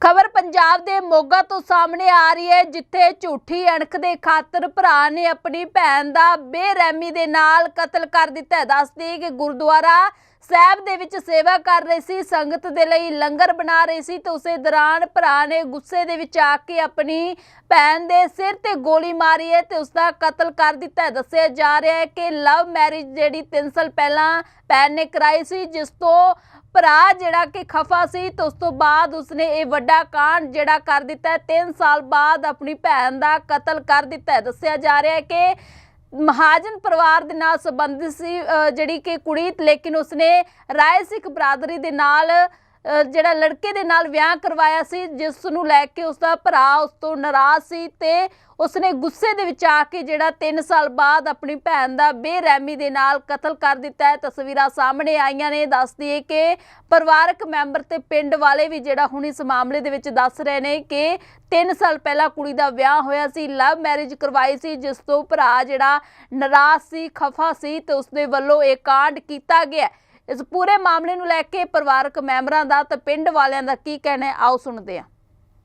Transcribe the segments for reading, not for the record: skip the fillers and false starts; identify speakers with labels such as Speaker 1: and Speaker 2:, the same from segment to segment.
Speaker 1: खबर पंजाब दे मोगा तो सामने आ रही है, जिथे झूठी अणख दे खातर भरा ने अपनी भैन दा बेरहमी दे नाल कतल कर दिता है। दस दी कि गुरुद्वारा साहब दे विच सेवा कर रही सी, संगत दे लई लंगर बना रही सी, तो उसे दौरान भरा ने गुस्से दे विच आके अपनी भैन दे सिर ते गोली मारी है ते उसका कतल कर दिता है। दस्सिया जा रहा है कि लव मैरिज जिहड़ी 3 साल पहला भैन ने कराई सी, जिस तो भरा जिहड़ा कि खफा सी, तो उस तो बाद उसने ये वड्डा कांड जिहड़ा कर दिता है। 3 साल बाद अपनी भैन दा कतल कर दिता है। दस्सिया जा रहा है कि महाजन परिवार दे नाल संबंधित सी जिहड़ी कि कुड़ी, लेकिन उसने राय सिख बरादरी दे नाल जिहड़ा लड़के दे नाल विआह करवाया सी, जिस नूं लैके उसदा भरा उस तो नाराज़ सी ते उसने गुस्से दे विच आके जिहड़ा 3 साल बाद अपनी भैन दा बेरहमी दे नाल कतल कर दिता है। तस्वीरां सामने आईयां ने। दस दईए कि परिवारक मैंबर ते पिंड वाले भी जिहड़ा हुण इस मामले दे विच दस रहे ने कि 3 साल पहला कुड़ी दा विआह होया सी, लव मैरिज करवाई सी, जिस तो भरा जिहड़ा नाराज़ सी, खफा सी ते उसदे वल्लों इह कांड कीता गया। इस पूरे मामले नूं लैके परिवारक मैंबरां दा ते पिंड वालियां दा की कहना है, आओ सुणदे हां।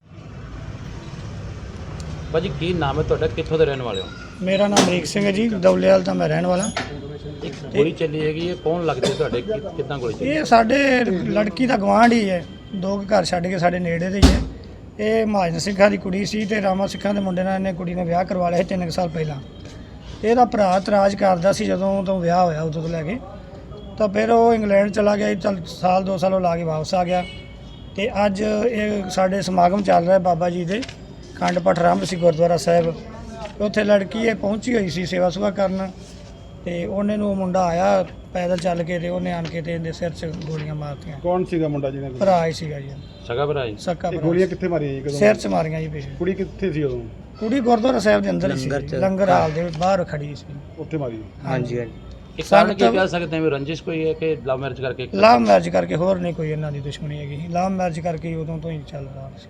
Speaker 2: भाजी की नाम है तुहाडा, कित्थों दे रहने वाले हो?
Speaker 3: मेरा नाम अमरीक सिंह है जी, दौलेवाल ਦਾ मैं रहने वाला।
Speaker 2: एक गोली चली हैगी, ये कौन लगदे तुहाडे, कितना गोली चली?
Speaker 3: ਇਹ ਸਾਡੇ ਲੜਕੀ ਦਾ ਗਵਾਂਢ ਹੀ ਹੈ, 2 ਘਰ ਛੱਡ ਕੇ ਸਾਡੇ ਨੇੜੇ ਦੇ ਹੀ ਹੈ। ਇਹ ਮਹਾਜਨ ਸਿੰਘਾਂ ਦੀ ਕੁੜੀ ਸੀ ਤੇ ਰਾਮਾ ਸਿੰਘਾਂ ਦੇ ਮੁੰਡੇ ਨਾਲ ਇਹਨੇ ਕੁੜੀ ਨੇ ਵਿਆਹ ਕਰਵਾ ਲਿਆ ਸੀ 3 ਸਾਲ ਪਹਿਲਾਂ। ਇਹਦਾ ਭਰਾ ਇਤਰਾਜ਼ ਕਰਦਾ ਸੀ ਜਦੋਂ ਤੋਂ ਵਿਆਹ ਹੋਇਆ ਉਦੋਂ ਤੋਂ ਲੈ ਕੇ, ਤਾਂ ਫਿਰ ਉਹ ਇੰਗਲੈਂਡ ਚਲਾ ਗਿਆ। ਚੱਲ ਸਾਲ 2 ਸਾਲ ਉਹ ਲਾ ਕੇ ਵਾਪਸ ਆ ਗਿਆ ਤੇ ਅੱਜ ਇਹ ਸਾਡੇ ਸਮਾਗਮ ਚੱਲ ਰਿਹਾ ਬਾਬਾ ਜੀ ਦੇ खंड पाठ आरंभ से गुरुद्वारा साहब, उत्थे लड़की ये पहुंची हुई सी सेवा सुवा करन ते उन्हें नूं मुंडा आया पैदल चल के ते उन्हें आन के ते इहदे सिर च गोलियां मारतियां।
Speaker 4: कौन सीगा मुंडा जी ने?
Speaker 3: भरा ही सीगा जी,
Speaker 2: सगा भरा जी।
Speaker 3: सक्का भरा।
Speaker 4: गोलियां कित्थे मारियां जी? कदों?
Speaker 3: सिर च मारियां जी पिछे।
Speaker 4: कुड़ी कित्थे सी उदों?
Speaker 3: कुड़ी गुरुद्वारा साहब दे अंदर ही सी, लंगर हाल दे बाहर खड़ी सी,
Speaker 4: उत्थे मारी।
Speaker 3: हां जी।
Speaker 2: एक कारण की कह सकते हैं, रंजिश कोई है कि लव मैरिज करके?
Speaker 3: लव मैरिज करके, होर नहीं कोई इन्हां दी दुश्मनी हैगी। लव मैरिज करके उदों तो ही चल रहा सी।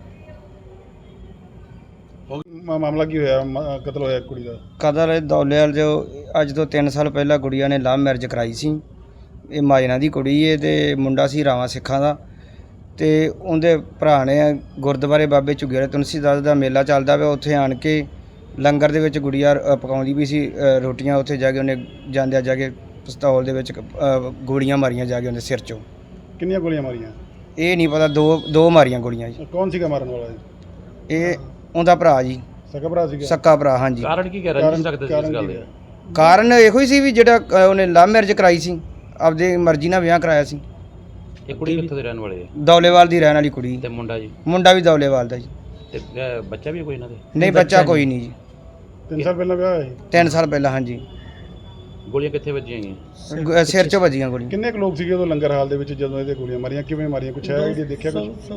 Speaker 4: मामला की होया, कत्ल होया कुड़ी दा?
Speaker 5: कतल दौलेवाल जो अज तो 3 साल पहला गुड़िया ने लव मैरिज कराई सी। ये माजना की कुड़ी है ते मुंडा सी रावा सिखा दा ते उनके भरा ने गुरुद्वारे बाबे झुग्गी तुलसीदास का मेला चलता पिया, उत्थे आन के लंगर दे विच गुड़िया पकाउंदी भी सी रोटियां, उत्थे जाके उन्हें जांदे जाके पिस्तौल दे विच गोलियां मारियां जाके उन्हें सिर चों।
Speaker 4: कितनी गोलियां मारियां?
Speaker 5: ये नहीं पता, दो मारियां गोलियां जी।
Speaker 4: कौन सीगा मारन वाला जी?
Speaker 5: ये उनका भरा जी,
Speaker 4: सगा भरा सीगा?
Speaker 5: सक्का भरा। हाँ जी।
Speaker 2: कारण की कह रंजिश सकते सी इस गल दे?
Speaker 5: कारण ਇਹੋ ਹੀ ਸੀ ਵੀ ਜਿਹੜਾ ਉਹਨੇ ਲਵ ਮੈਰਿਜ ਕਰਾਈ ਸੀ, ਆਪਦੀ ਮਰਜ਼ੀ ਨਾਲ ਵਿਆਹ ਕਰਾਇਆ ਸੀ।
Speaker 2: ਇਹ ਕੁੜੀ ਕਿੱਥੋਂ ਦੇ ਰਹਿਣ ਵਾਲੇ ਹੈ?
Speaker 5: ਦੌਲੇਵਾਲ ਦੀ ਰਹਿਣ ਵਾਲੀ ਕੁੜੀ।
Speaker 2: ਤੇ ਮੁੰਡਾ ਜੀ?
Speaker 5: ਮੁੰਡਾ ਵੀ ਦੌਲੇਵਾਲ ਦਾ ਜੀ।
Speaker 2: ਤੇ ਬੱਚਾ ਵੀ ਕੋਈ ਇਹਨਾਂ ਦੇ?
Speaker 5: ਨਹੀਂ, ਬੱਚਾ ਕੋਈ ਨਹੀਂ ਜੀ।
Speaker 4: 3 ਸਾਲ ਪਹਿਲਾਂ ਵਿਆਹ ਹੋਇਆ ਸੀ?
Speaker 5: 3 ਸਾਲ ਪਹਿਲਾਂ। ਹਾਂਜੀ।
Speaker 2: ਗੋਲੀਆਂ ਕਿੱਥੇ ਵੱਜੀਆਂ ਗਈਆਂ?
Speaker 5: ਸਿਰ 'ਚ ਵੱਜੀਆਂ ਗੋਲੀਆਂ।
Speaker 4: ਕਿੰਨੇ ਕੁ ਲੋਕ ਸੀਗੇ ਉਦੋਂ ਲੰਗਰ ਹਾਲ ਦੇ ਵਿੱਚ ਜਦੋਂ ਇਹਦੇ ਗੋਲੀਆਂ ਮਾਰੀਆਂ? ਕਿਵੇਂ ਮਾਰੀਆਂ, ਕੁਛ ਹੈ ਜੀ ਦੇਖਿਆ ਕੁਛ?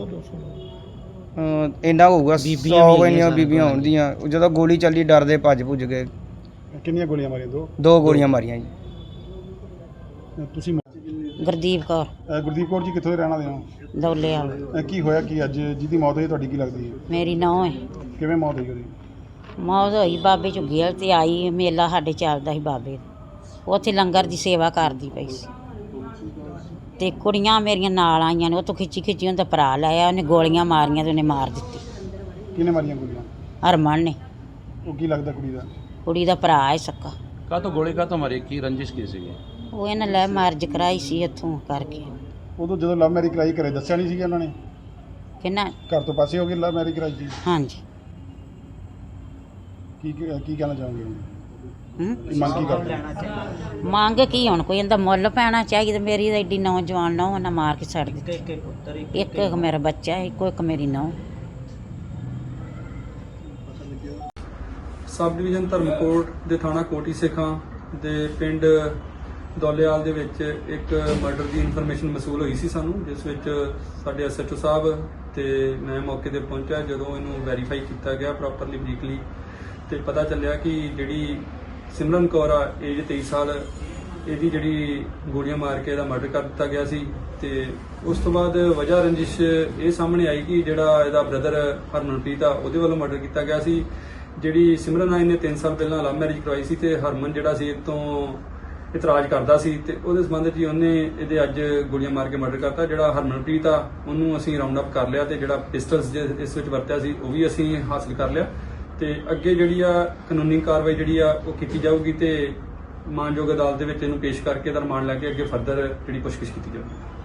Speaker 5: ਇੰਨਾ ਹੋਊਗਾ, 100 ਇੰਨੀਆਂ ਬੀਬੀਆਂ ਹੋਣਦੀਆਂ। ਜਦੋਂ ਗੋਲੀ ਚੱਲੀ ਡਰਦੇ ਭੱਜ ਭੁੱਜ ਗਏ।
Speaker 4: ਕਿੰਨੀਆਂ ਗੋਲੀਆਂ ਮਾਰੀਆਂ?
Speaker 5: 2 ਗੋਲੀਆਂ ਮਾਰੀਆਂ ਜੀ।
Speaker 4: ਤੁਸੀਂ
Speaker 6: ਗੁਰਦੀਪ ਕੌਰ।
Speaker 4: ਗੁਰਦੀਪ ਕੌਰ ਜੀ ਕਿੱਥੋਂ ਦੇ ਰਹਿਣ ਵਾਲੇ ਹੋ?
Speaker 6: ਦੌਲੇਵਾਲ।
Speaker 4: ਕੀ ਹੋਇਆ ਕੀ ਅੱਜ ਜਿਹਦੀ ਮੌਤ ਹੋਈ ਤੁਹਾਡੀ ਕੀ ਲੱਗਦੀ ਹੈ?
Speaker 6: ਮੇਰੀ ਨੂੰਹ ਹੈ।
Speaker 4: ਕਿਵੇਂ ਮੌਤ ਹੋਈ ਉਹਦੀ?
Speaker 6: ਮੌਤ ਹੋਈ ਬਾਬੇ ਝੁੱਗੀ ਵਾਲ ਤੇ ਆਈ, ਮੇਲਾ ਸਾਡੇ ਚੱਲਦਾ ਸੀ ਬਾਬੇ ਦਾ, ਉੱਥੇ ਲੰਗਰ ਦੀ ਸੇਵਾ ਕਰਦੀ ਪਈ ਸੀ ਤੇ ਕੁੜੀਆਂ ਮੇਰੀਆਂ ਨਾਲ ਆਈਆਂ ਨੇ, ਉਹ ਤੋਂ ਖਿੱਚੀ ਉਹਦਾ ਭਰਾ ਲਾਇਆ, ਉਹਨੇ ਗੋਲੀਆਂ ਮਾਰੀਆਂ ਤੇ ਉਹਨੇ ਮਾਰ ਦਿੱਤੀ।
Speaker 4: ਕਿਹਨੇ ਮਾਰੀਆਂ ਗੋਲੀਆਂ?
Speaker 6: ਹਰਮਨ ਨੇ।
Speaker 4: ਉਹ ਕੀ ਲੱਗਦਾ ਕੁੜੀ ਦਾ?
Speaker 6: ਕੁੜੀ ਦਾ ਭਰਾ ਹੈ सक्का।
Speaker 2: ਕਾਹਤੋਂ ਗੋਲੀ ਕਾਹਤੋਂ ਮਾਰੀ, ਕੀ ਰੰਜਿਸ਼ ਕੀ ਸੀ?
Speaker 6: ਉਹ ਇਹਨਾਂ ਲੈ ਮੈਰਿਜ ਕਰਾਈ ਸੀ ਇੱਥੋਂ ਕਰਕੇ।
Speaker 4: ਉਦੋਂ ਜਦੋਂ ਲਵ ਮੈਰਿਜ ਕਰਾਈ ਘਰੇ ਦੱਸਿਆ ਨਹੀਂ ਸੀਗਾ ਉਹਨਾਂ ਨੇ?
Speaker 6: ਕਿੰਨਾ?
Speaker 4: ਘਰ ਤੋਂ ਪਾਸੇ ਹੋ ਗਏ ਲਵ ਮੈਰਿਜ ਕਰਾਈ ਸੀ?
Speaker 6: ਹਾਂਜੀ।
Speaker 4: ਕੀ ਕਹਿਣਾ ਚਾਹੋਗੇ?
Speaker 6: ਹੂੰ।
Speaker 4: ਮੰਗ ਕੀ ਕਰਦੇ?
Speaker 6: ਮੰਗ ਕੀ ਹੁਣ, ਕੋਈ ਇਹਦਾ ਮੁੱਲ ਪੈਣਾ ਚਾਹੀਦਾ। ਮੇਰੀ ਤਾਂ ਐਡੀ ਨੌਜਵਾਨ ਨੂੰਹ ਉਹਨਾਂ ਮਾਰ ਕੇ ਛੱਡ ਦਿੱਤੀ। ਇੱਕ ਮੇਰਾ ਬੱਚਾ, ਇੱਕ ਮੇਰੀ ਨੂੰਹ।
Speaker 7: सब डिवीजन धर्मकोट ਦੇ ਥਾਣਾ ਕੋਟੀ ਸਿੱਖਾਂ ਦੇ ਪਿੰਡ ਦੌਲੇਵਾਲ ਦੇ ਵਿੱਚ ਇੱਕ ਮਰਡਰ ਦੀ ਇਨਫੋਰਮੇਸ਼ਨ ਮਸੂਲ ਹੋਈ ਸੀ ਸਾਨੂੰ, ਜਿਸ ਵਿੱਚ ਸਾਡੇ ਐਸਐਚਓ ਸਾਹਿਬ ਤੇ ਮੈਂ ਮੌਕੇ ਤੇ ਪਹੁੰਚਿਆ। ਜਦੋਂ ਇਹਨੂੰ ਵੈਰੀਫਾਈ ਕੀਤਾ ਗਿਆ ਪ੍ਰੋਪਰਲੀ ਬਰੀਕਲੀ ਤੇ ਪਤਾ ਚੱਲਿਆ ਕਿ ਜਿਹੜੀ ਸਿਮਰਨ ਕੌਰ ਆ, ਏਜ 23 ਸਾਲ, ਇਹਦੀ ਜਿਹੜੀ ਗੋਲੀਆਂ ਮਾਰ ਕੇ ਇਹਦਾ ਮਰਡਰ ਕਰ ਦਿੱਤਾ ਗਿਆ ਸੀ। ਤੇ ਉਸ ਤੋਂ ਬਾਅਦ ਵਜ੍ਹਾ ਰੰਜਿਸ਼ ਇਹ ਸਾਹਮਣੇ ਆਈ ਕਿ ਜਿਹੜਾ ਇਹਦਾ ਬ੍ਰਦਰ ਹਰਮਨਪ੍ਰੀਤ ਆ, ਉਹਦੇ ਵੱਲੋਂ ਮਰਡਰ ਕੀਤਾ ਗਿਆ ਸੀ। ਜਿਹੜੀ ਸਿਮਰਨ ਆਈ ਨੇ 3 ਸਾਲ ਪਹਿਲਾਂ ਲਵ ਮੈਰਿਜ ਕਰਵਾਈ ਸੀ ਤੇ ਹਰਮਨ ਜਿਹੜਾ ਸੀ ਇਹ ਤੋਂ ਇਤਰਾਜ਼ ਕਰਦਾ ਸੀ ਤੇ ਉਹਦੇ ਸੰਬੰਧ 'ਚ ਹੀ ਉਹਨੇ ਇਹਦੇ ਅੱਜ ਗੋਲੀਆਂ ਮਾਰ ਕੇ ਮਰਡਰ ਕਰਤਾ। ਜਿਹੜਾ ਹਰਮਨਪ੍ਰੀਤ ਆ ਉਹਨੂੰ ਅਸੀਂ ਰਾਉਂਡ ਅਪ ਕਰ ਲਿਆ ਤੇ ਜਿਹੜਾ ਪਿਸਟਲਸ ਇਸ ਵਿੱਚ ਵਰਤਿਆ ਸੀ ਉਹ ਵੀ ਅਸੀਂ ਹਾਸਲ ਕਰ ਲਿਆ ਤੇ ਅੱਗੇ ਜਿਹੜੀ ਆ ਕਾਨੂੰਨੀ ਕਾਰਵਾਈ ਜਿਹੜੀ ਆ ਉਹ ਕੀਤੀ ਜਾਊਗੀ ਤੇ ਮਾਨਯੋਗ ਅਦਾਲਤ ਦੇ ਵਿੱਚ ਇਹਨੂੰ ਪੇਸ਼ ਕਰਕੇ ਇਹਦਾ ਰਿਮਾਂਡ ਲੈ ਕੇ ਅੱਗੇ ਫਰਦਰ ਜਿਹੜੀ ਪੁੱਛਗਿੱਛ ਕੀਤੀ ਜਾਊਗੀ।